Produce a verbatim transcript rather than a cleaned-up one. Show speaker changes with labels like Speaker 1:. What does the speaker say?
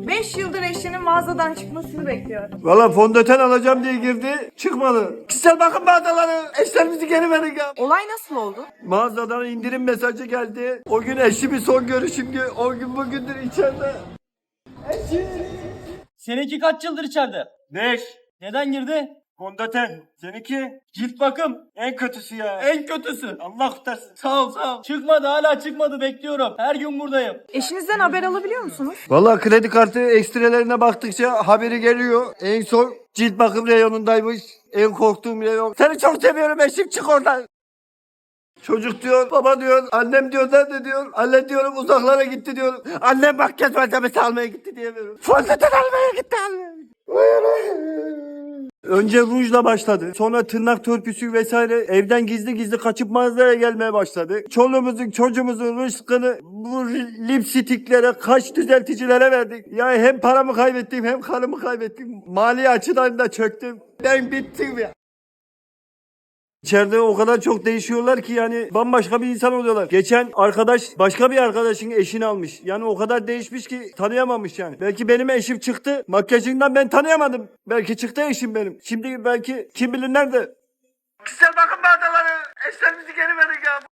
Speaker 1: beş yıldır eşinin mağazadan çıkmasını bekliyor.
Speaker 2: Valla fondöten alacağım diye girdi, çıkmadı. Kişisel bakım mağazaları, eşlerimizi geri verin ya.
Speaker 1: Olay nasıl oldu?
Speaker 2: Mağazadan indirim mesajı geldi. O gün eşimin son görüşümdü. O gün bugündür içeride. Eşim.
Speaker 3: Seninki kaç yıldır içeride?
Speaker 2: Beş.
Speaker 3: Neden girdi?
Speaker 2: Fondöten. Seninki?
Speaker 3: Cilt bakım.
Speaker 2: En kötüsü ya.
Speaker 3: En kötüsü.
Speaker 2: Allah kurtarsın.
Speaker 3: Sağ ol sağ ol. Çıkmadı, hala çıkmadı, bekliyorum. Her gün buradayım.
Speaker 1: Eşinizden haber alabiliyor musunuz?
Speaker 2: Valla kredi kartı ekstrelerine baktıkça haberi geliyor. En son cilt bakım reyonundaymış. En korktuğum reyon. Seni çok seviyorum eşim, çık oradan. Çocuk diyor, baba diyor, annem diyor, nerede diyor. Anne diyorum uzaklara gitti diyor. Annem makyaj malzemesi almaya gitti diyemiyorum. Fondöten almaya gitti anne. Önce rujla başladı. Sonra tırnak törpüsü vesaire, evden gizli gizli kaçıp mağazaya gelmeye başladı. Çoluğumuzun çocuğumuzun rızkını bu lipstiklere, kaş düzelticilere verdik. Yani hem paramı kaybettim hem karımı kaybettim. Mali açıdan da çöktüm. Ben bittim ya. İçeride o kadar çok değişiyorlar ki yani bambaşka bir insan oluyorlar. Geçen arkadaş başka bir arkadaşın eşini almış. Yani o kadar değişmiş ki tanıyamamış yani. Belki benim eşim çıktı. Makyajından ben tanıyamadım. Belki çıktı eşim benim. Şimdi belki kim bilir nerede. Kişisel bakım mağazaları. Eşlerimizi geri verin ya.